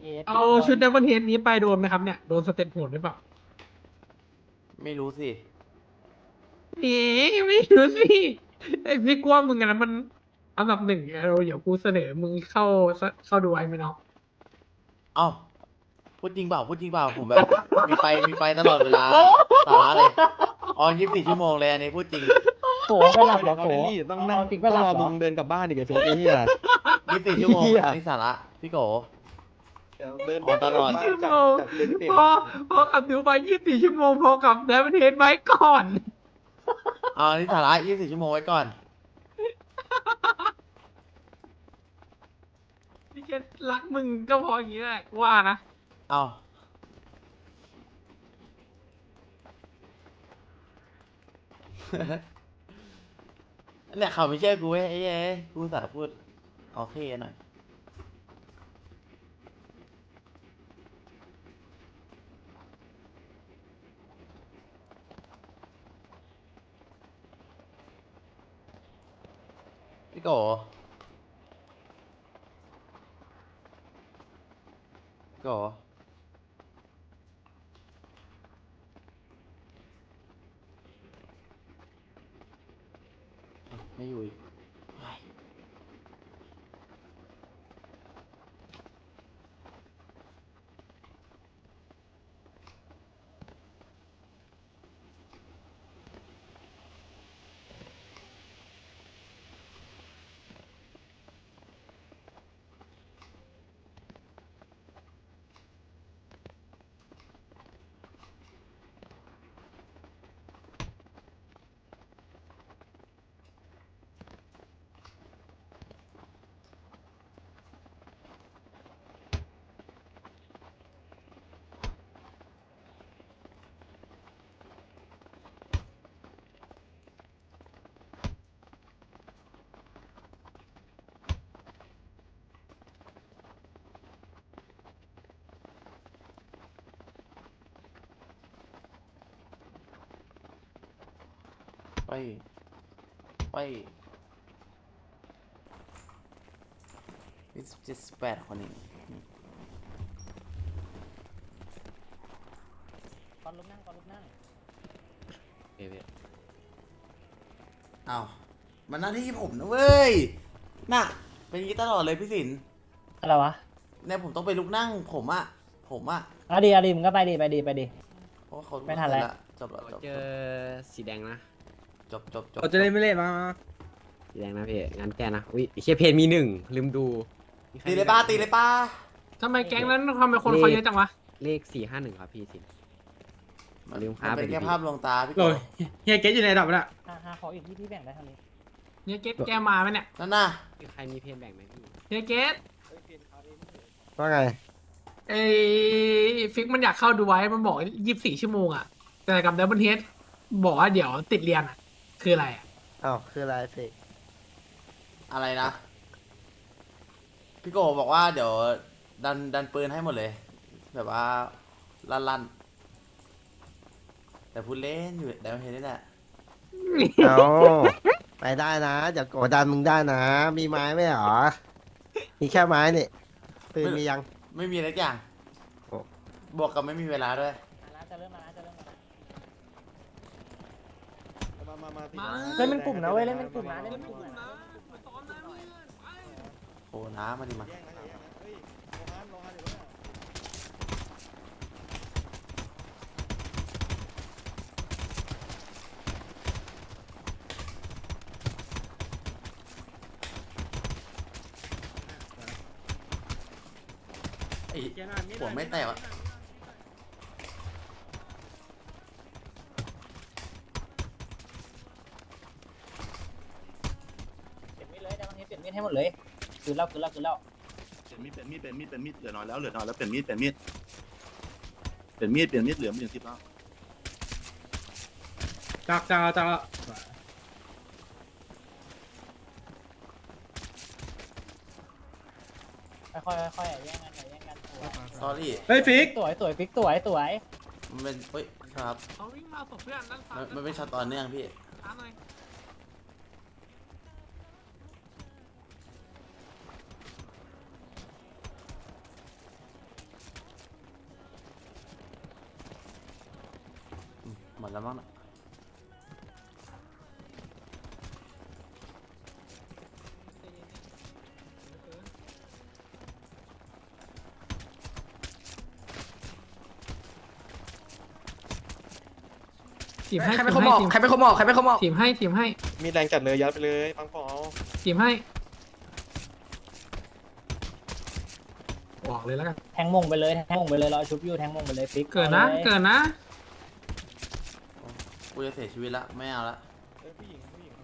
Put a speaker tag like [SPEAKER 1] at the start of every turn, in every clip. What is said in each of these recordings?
[SPEAKER 1] เอาชุดเดวิลเฮดนี้ไปโดนไหมครับเนี่ยโดนสเต็ปโหดหรือเปล่า
[SPEAKER 2] ไม่รู้สิ
[SPEAKER 1] เอ๊ไม่รู้สิไอพี่กลัวมึงอะนะมันอันดับหนึ่งเราเดี๋ยวกูเสนอมึงเข้าดูไว้ไหมเนาะ
[SPEAKER 2] เอ้าพูดจริงเปล่าผมแบบมีไฟตลอดเวลาสาระเลยออน24 ชั่วโมงเลยอันนี้พูดจริง
[SPEAKER 3] โผล่ไปหลับเหรอโผล่
[SPEAKER 4] ต้องนั่ง
[SPEAKER 3] จริง
[SPEAKER 4] ต้
[SPEAKER 3] ปะ
[SPEAKER 4] อง
[SPEAKER 3] หลั
[SPEAKER 4] ร
[SPEAKER 3] บ
[SPEAKER 4] อ
[SPEAKER 3] เหร
[SPEAKER 4] มึ
[SPEAKER 3] อง
[SPEAKER 4] เดินกลับบ้านอีกไอ้เฟซไอ้เหี้ย
[SPEAKER 2] 24 ชั่วโมง
[SPEAKER 4] เหี้ย
[SPEAKER 2] อันนี้สาระพี่โก
[SPEAKER 4] เดิน
[SPEAKER 2] อ๋อตลอด
[SPEAKER 1] ชั่วโมงพอขับดูไป24 ชั่วโมงพอขับเดวิลเฮดไว้ก่อน
[SPEAKER 2] อันนี้สาระ24 ชั่วโมงไว้ก่อน
[SPEAKER 1] พี่แค่รักมึงก็พออย่างนี้แหละว่านะ
[SPEAKER 2] เอ้าเนี่ยเขาไม่เชื่อกูเว้ยไอ้เอ้ยกูสาพูดโอเคหน่อยพี่โกพี่โกไม่อยู่อีกเฮ้ยไป78 คนเอง
[SPEAKER 3] ก่อนลุกนั่งก่อนลุกนั่ง
[SPEAKER 2] อ้าวมันหน้าที่ผมนะเว้ย น่ะ เป็นอย่างนี้ตลอดเลยพี่สิน
[SPEAKER 3] อะไรวะ
[SPEAKER 2] เนี่ยผมต้องไปลุกนั่งผมอะ
[SPEAKER 3] เอาดีมึงก็ไปดิ
[SPEAKER 2] เพราะว่าเขา
[SPEAKER 3] ไม่ทันแล้ว
[SPEAKER 2] จบแล้วจบ
[SPEAKER 5] เจอสีแดงนะ
[SPEAKER 2] จบ
[SPEAKER 4] เราจะเล่นไม่เล่นมา
[SPEAKER 5] สีแดงนะพี่งานแก้นะอุ้ยไอ้เชียเพนมีหนึ่งลืมดูมีใคร
[SPEAKER 2] ตีเลยป้าตีเลยป้า
[SPEAKER 1] ทำไมแก๊งนั้นทำไมคนเขาเยอะจังวะ
[SPEAKER 5] เลข451ครับพี่สิ
[SPEAKER 2] มัน
[SPEAKER 5] ลืมค้า
[SPEAKER 2] เป็น
[SPEAKER 5] ไปดิ
[SPEAKER 2] แค่ภาพลวงตาพี่
[SPEAKER 4] โอ้
[SPEAKER 2] โก
[SPEAKER 4] ยเฮียเกตอยู่ในระดับน่ะ
[SPEAKER 3] หาขออีกที่แบ่งได้เท่านี้
[SPEAKER 1] เนี่ยเกตแกมาไหมเนี่ย
[SPEAKER 2] นั่นน่ะ
[SPEAKER 5] มีใครมีเพนแบ่งไหมพี่
[SPEAKER 1] เนี่ยเกต
[SPEAKER 4] ว่าไง
[SPEAKER 1] ไอ้ฟิกมันอยากเข้าดูไว้มันบอก24 ชั่วโมงอะแต่กับเดวิลเฮดบอกว่าเดี๋ยวติดเรียนอะคืออะไรอะ
[SPEAKER 6] อ้าวคืออะไรสิ
[SPEAKER 2] อะไรนะ พี่โกบอกว่าเดี๋ยวดันปืนให้หมดเลย แบบว่าลั่นแต่พูดเล่นอยู่แต่ไม่เห็นนี่แหละ
[SPEAKER 6] เอาไปได้นะอย่ากดดันมึงได้นะ มีไม้ไหมหรอ มีแค่ไม้นี่ปืนมียัง
[SPEAKER 2] ไม่มีอะไรอย่าง
[SPEAKER 6] โอ้
[SPEAKER 2] บวกกับไม่มีเวลาด้วย
[SPEAKER 3] จะเริ่มมาแล้ว
[SPEAKER 1] มา
[SPEAKER 3] เล่นเป็นกลุ่มนะเว้ยเล่นเป็นกลุ่มนะเล่นเป็นกลุ่มนะ
[SPEAKER 1] มาซ้อมนะเพื่อนไป
[SPEAKER 2] โอ้น้ำมาดิมา ไอ้หัวไม่แตกอะ
[SPEAKER 3] เปลี่ยนมีดเลยแต่วันนี้เปลี่ยนมีดให้หมดเลยคือเล่า
[SPEAKER 7] เปลี่ยนมีดเหลือน้อยแล้วเปลี่ยนมีดเหลือมีดเหลือมีด10แล้ว
[SPEAKER 4] จาก
[SPEAKER 3] ค่อยๆแย่งกัน
[SPEAKER 2] สอรี่
[SPEAKER 4] เฮ้ยฟิก
[SPEAKER 3] สวยฟิกสวย
[SPEAKER 2] มันเป็นเฮ้ยครับ
[SPEAKER 1] เขาวิ่งมาศพเพื่อนด้านซ้าย
[SPEAKER 2] มันเป็นช็อตต่อเนื่องพี่
[SPEAKER 1] ช้าหน่อย
[SPEAKER 2] แล้วมั้งน่ะ
[SPEAKER 1] ทีมให้
[SPEAKER 8] ใครเป็นคนบอกใครเป็นคนบอกใครเป็นคนบอก
[SPEAKER 1] ทีมให้ทีมให้
[SPEAKER 4] มีแรงจัดเลยยัดไปเลยปังปอ
[SPEAKER 1] ทีมให้บอกเลยแล้วกัน
[SPEAKER 3] แทงมงไปเลยแทงมงไปเลยเราชุบอยู่แทงมงไปเลยฟิก
[SPEAKER 1] เกิดนะ
[SPEAKER 3] อาลย
[SPEAKER 1] เกิดนะ
[SPEAKER 2] กูจะเสียชีวิตละไม่เอาละ
[SPEAKER 4] ผู้หญิงผู้หญิง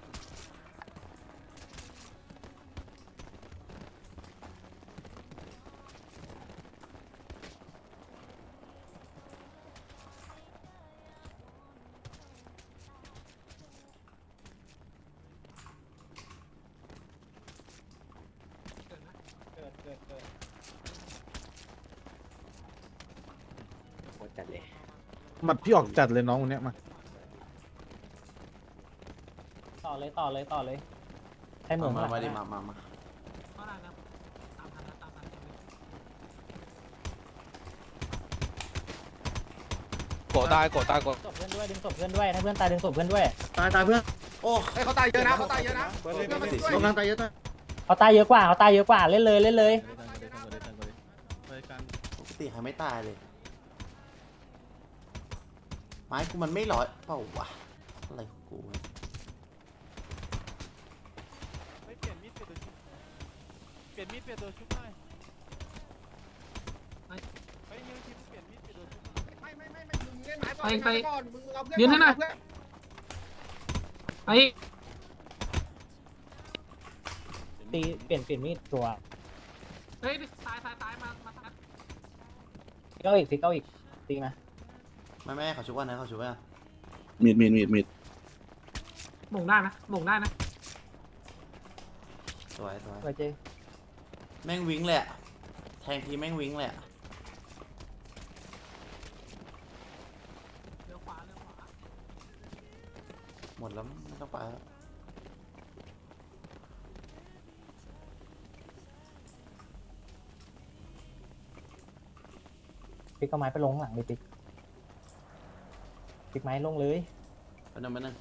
[SPEAKER 3] เกิดเกิดเกิด
[SPEAKER 5] โคตรจัดเลย
[SPEAKER 4] มัดพี่ออกจัดเลยน้องคนเนี้ยมา
[SPEAKER 3] ต่อเลยต่อเลยต่อเลยให้หมู
[SPEAKER 2] มา
[SPEAKER 3] หลัง
[SPEAKER 2] มาดิ
[SPEAKER 3] นะ
[SPEAKER 2] มา
[SPEAKER 1] เท่าไหร่นะตามทันนะตามทัน
[SPEAKER 4] โกตายโกตายโก
[SPEAKER 3] ศพเพื่อนด้วยดึงศพเพื่อนด้วยถ้าเพื่อนตายดึงศพเพื่อนด้วย
[SPEAKER 4] ตายเพื่อน
[SPEAKER 2] โอ้
[SPEAKER 4] เขาตายเยอะนะเขาตายเยอะนะเบิร์ดเลยกำลังตายเยอะนะ
[SPEAKER 3] เขาตายเยอะกว่าเขาตายเยอะกว่าเล่นเลยเล่นเลย
[SPEAKER 2] ปกติหายไม่ตายเลย ไม้กูมันไม่ร้อยเปล่าวะอะไรของกูวะ
[SPEAKER 4] เปลี่ยนมีดเปลี่ยนตัวชุบเปลี่ยนมีดเปลี่ยนตัวชุบหน่อยไปยืนทีเปลี่ยนมีดเปลี่ยนตัวชุบไม่มึงเล่นไม้
[SPEAKER 1] ไป
[SPEAKER 4] ก่อนมึงเอาเพื่อน
[SPEAKER 1] ยืนให้หน่อยไป
[SPEAKER 3] ตีเปลี่ยนมีดตัว
[SPEAKER 1] เฮ้ยตายมาตาย
[SPEAKER 3] ฟิกเอาอีกฟิกเอาอีกตีมา
[SPEAKER 2] ไม่เขาชุบว่านะเขาชุบว่า
[SPEAKER 7] มีด
[SPEAKER 1] หม่งได้นะหม่งได้นะ
[SPEAKER 2] สวย
[SPEAKER 3] ไปเจ
[SPEAKER 2] แม่งวิ้งเลยอะแทงทีแม่งวิ้งเลยอะ
[SPEAKER 1] เลี้ยวขวาเลี้ยวขวา
[SPEAKER 2] หมดแล้วไม่ต้องไปแล้ว
[SPEAKER 3] ฟิกเอาไม้ไปลงหลังดิฟิกฟิกไม้ลงเลย
[SPEAKER 2] ไปหนึ่ง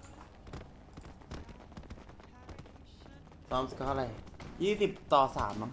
[SPEAKER 2] ซ้อมสกอร์อะไร20-3มั้ง